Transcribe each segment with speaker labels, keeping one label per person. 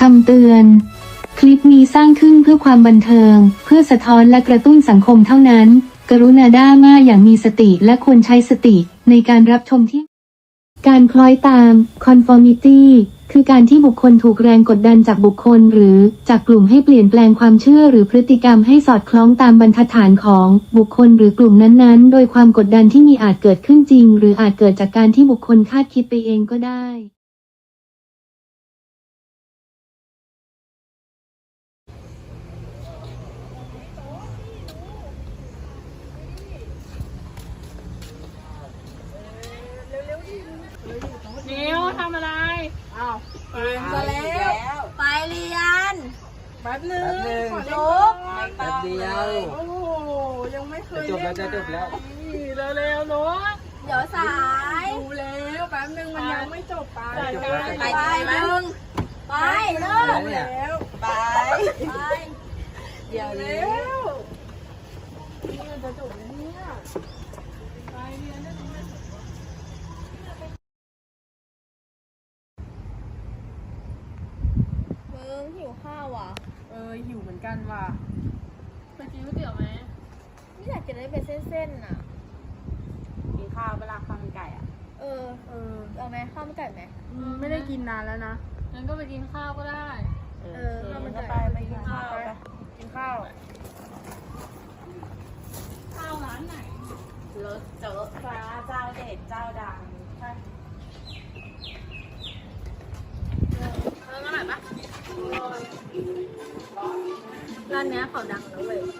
Speaker 1: คำเตือน คลิปนี้สร้างขึ้นเพื่อความบันเทิง เพื่อสะท้อนและกระตุ้นสังคมเท่านั้น กรุณาด่ามาอย่างมีสติและควรใช้สติในการรับชมที่ การคล้อยตาม conformity คือการที่บุคคลถูกแรงกดดันจากบุคคลหรือจากกลุ่มให้เปลี่ยนแปลงความเชื่อหรือพฤติกรรมให้สอดคล้องตามบรรทัดฐานของบุคคลหรือกลุ่มนั้นๆ โดยความกดดันที่มีอาจเกิดขึ้นจริงหรืออาจเกิดจากการที่บุคคลคาดคิดไปเองก็ได้
Speaker 2: นิวทำอะไรอ้าวไป
Speaker 3: มาแล้วไปเรียน
Speaker 2: แป๊บนึงขอ
Speaker 3: จ
Speaker 2: จ
Speaker 3: บบ
Speaker 4: แป๊บเดียว
Speaker 2: โอ้โหยังไม่เคย
Speaker 4: จะจบแล้ว
Speaker 2: เร็วๆเนาะ
Speaker 3: เดี๋ยวสาย
Speaker 2: ดูแล้วแป๊บนึงมันยังไม่จบไป
Speaker 3: ไปหนึ่งไปเลิก
Speaker 2: แล้ว
Speaker 3: ไปไปเดี๋ยว
Speaker 2: เร็
Speaker 3: เร็ว
Speaker 2: วนี่มันจะจบแล้วเนี่ยไปเรียนได้ตรงไหน
Speaker 3: มึงหิวข้าวอ่ะ
Speaker 2: หิวเหมือนกันว่ะไปกินก๋วยเตี๋ยวไหม
Speaker 3: ไม่อยากกินอะไรเป็นเส้นๆน่ะ
Speaker 2: กินข้าวเวลาข้าวมันไก่อ่ะ
Speaker 3: เอาไหมข้าวมันไก่ไหม
Speaker 2: ไม่ได้กินนานแล้วนะงั้นก็ไปกินข้าวก็ได้
Speaker 3: ข้าวมันไก่ไปกินข้าว
Speaker 2: กินข้าวข้าวร้านไหน
Speaker 3: รถเจอฟ้าเจ้าเด็ดเจ้าดัง
Speaker 2: ร้านไหนปะ
Speaker 3: ร้านเนี้ยเขาดังนะเว้ย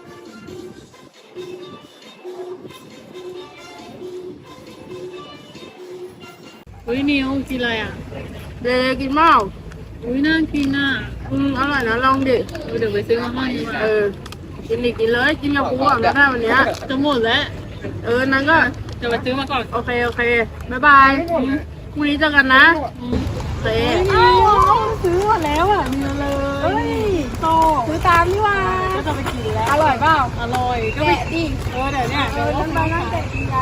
Speaker 2: นิวกินอะไรอ่ะ
Speaker 5: เด็กกินเมา
Speaker 2: น่ากินอ่ะ
Speaker 5: อร่อยนะลองดิ
Speaker 2: เดี๋ยวไปซื้อมาให้ดีกว่า
Speaker 5: กินดิกินเลยกินกับกูก่อนก็ได้วันเนี้ย
Speaker 2: จะหมดแล้ว
Speaker 5: นั้นก็
Speaker 2: เดี๋ยวไปซื้อมาก่อน
Speaker 5: โอเคบ๊ายบายพรุ่งนี้เจอกันนะเซ่
Speaker 2: ซื้อมาแล้วอ่ะมีเลย โต
Speaker 5: ซื้อตามนี่ว่า
Speaker 2: ก็จะไปกินแล้ว
Speaker 5: อร่อยเปล่า
Speaker 2: อร่อยก็ไปดิเดี๋ยวเนี่ยเดี๋ยว
Speaker 5: นั่นไปนั่งแกะกินกัน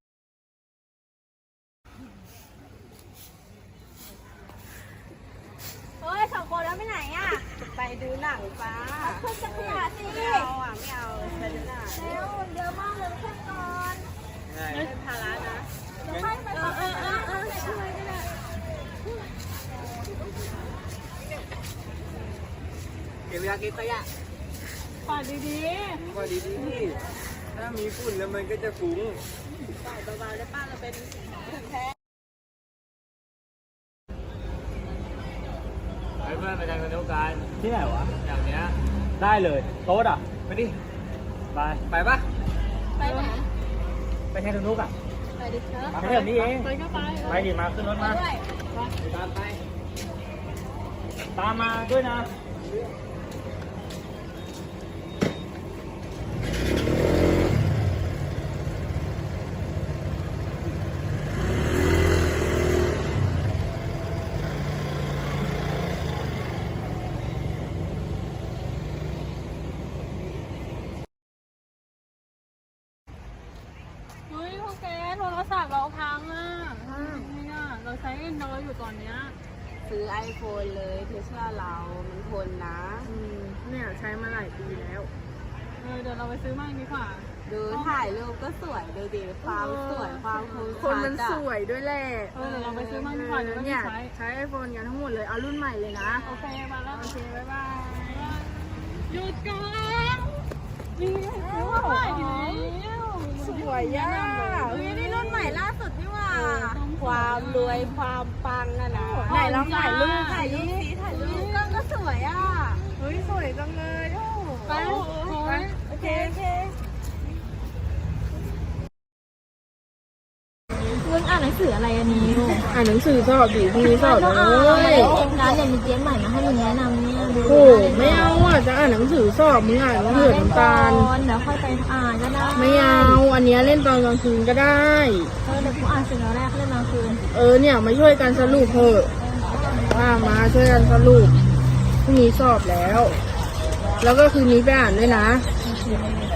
Speaker 3: เฮ้ยสองคนแล้วไปไหนอ่ะ
Speaker 5: ไปดูหนังป้า
Speaker 3: ขึ้นจักรยานสิ
Speaker 5: ไม่เอาไปดูหนัง
Speaker 3: เร็วเยอะมากเลยขึ้นก่อน
Speaker 5: เป็นภาระนะ
Speaker 3: เดี๋ยวค่อยไปช่วยก็ได้
Speaker 4: เก็บยาเก็บขยะ
Speaker 2: ปาดดี
Speaker 4: ก็ดีๆถ้ามีฝุ่นแล้วมันก็จะฟุ้ง
Speaker 5: เบาๆได้ป้าเราเป็น
Speaker 4: ไปเพื่อนไปทางสนุกกันที่ไหนวะอย่างเนี้ยได้เลยโต๊ดอ่ะไปดิไปปะ
Speaker 3: ไปไหน
Speaker 4: ไปทางสนุกอ่ะ
Speaker 3: ไปดิเถอะ
Speaker 4: มาแค่แบบนี้เอง
Speaker 2: ๆไปก็ไป
Speaker 4: ไปดิมาขึ้นรถมา
Speaker 3: ด้วย
Speaker 4: ตามไปตามมาด้วยนะ
Speaker 2: เฮ้ยพวกแกโทรศัพท์เราพังอ่ะนี่น่ะเราใช้ Android อยู่ตอนเนี้ย
Speaker 5: ซื้อ iPhone เลยเธอเชื่อเรามันทนนะ
Speaker 2: เนี่ยใช้มาหลายปีแล้ว เดี๋ยวเราไปซื้อมั่งดีกว่า
Speaker 5: ดูถ่ายรูปก็สวยดูดิความสวยความคม
Speaker 6: คนมัน
Speaker 5: ชัด
Speaker 6: สวยด้วยแหละ
Speaker 2: เดี๋ยวเราไปซื้อมั่งดีกว่าเดี๋ยวไม่
Speaker 6: เนี่ย
Speaker 2: ใช้
Speaker 6: ใช้ไอโฟนกันทั้งหมดเลย เอารุ่นใหม่เลยนะ
Speaker 2: โอเคมาแล้ว
Speaker 6: โอเค บ๊ายบาย
Speaker 2: หยุดก่อนนี่ซื้อมาใหม่แล้ว
Speaker 6: สวยย่า
Speaker 3: เฮ้ยนี่รุ่นใหม่ล่าสุดนี่หว่า
Speaker 5: ความรวยความปังอะนะ
Speaker 6: ไหนลองถ่ายรูป
Speaker 3: ถ่ายรูปสีถ่ายรูปกล้องก็สวยอ่ะ
Speaker 6: เฮ้ย สวยจังเลยโอ้
Speaker 2: ไป
Speaker 3: โอเคมึงอ่านหนังสืออะไรอันนี้
Speaker 6: อ่านหนังสือสอบดิพรุ่งนี้สอบ
Speaker 3: ก็
Speaker 6: เล
Speaker 3: อ่าน
Speaker 6: ย
Speaker 3: ร้านเนี่ยมีเกมใหม่มาให้มึงแนะนำเนี่ยดู
Speaker 6: โอ้ไม่เอาอ่ะ จะอ่านหนังสือสอบมึงอ่านหนังสือน้ำตาล
Speaker 3: เดี๋ยวค่อยไปอ่านก็ได้
Speaker 6: ไม่เอา อันเนี้ยเล่นตอนกลางคืนก็ได้
Speaker 3: เดี๋ยวกูอ่านเสร็จแล้วแรกเล่นกลางคืน
Speaker 6: เนี่ยมาช่วยกันสรุปเถอะมาช่วยกันสรุปพรุ่งนี้สอบแล้ว แล้วก็คืนนี้ไปอ่านด้วยนะ
Speaker 3: โอเค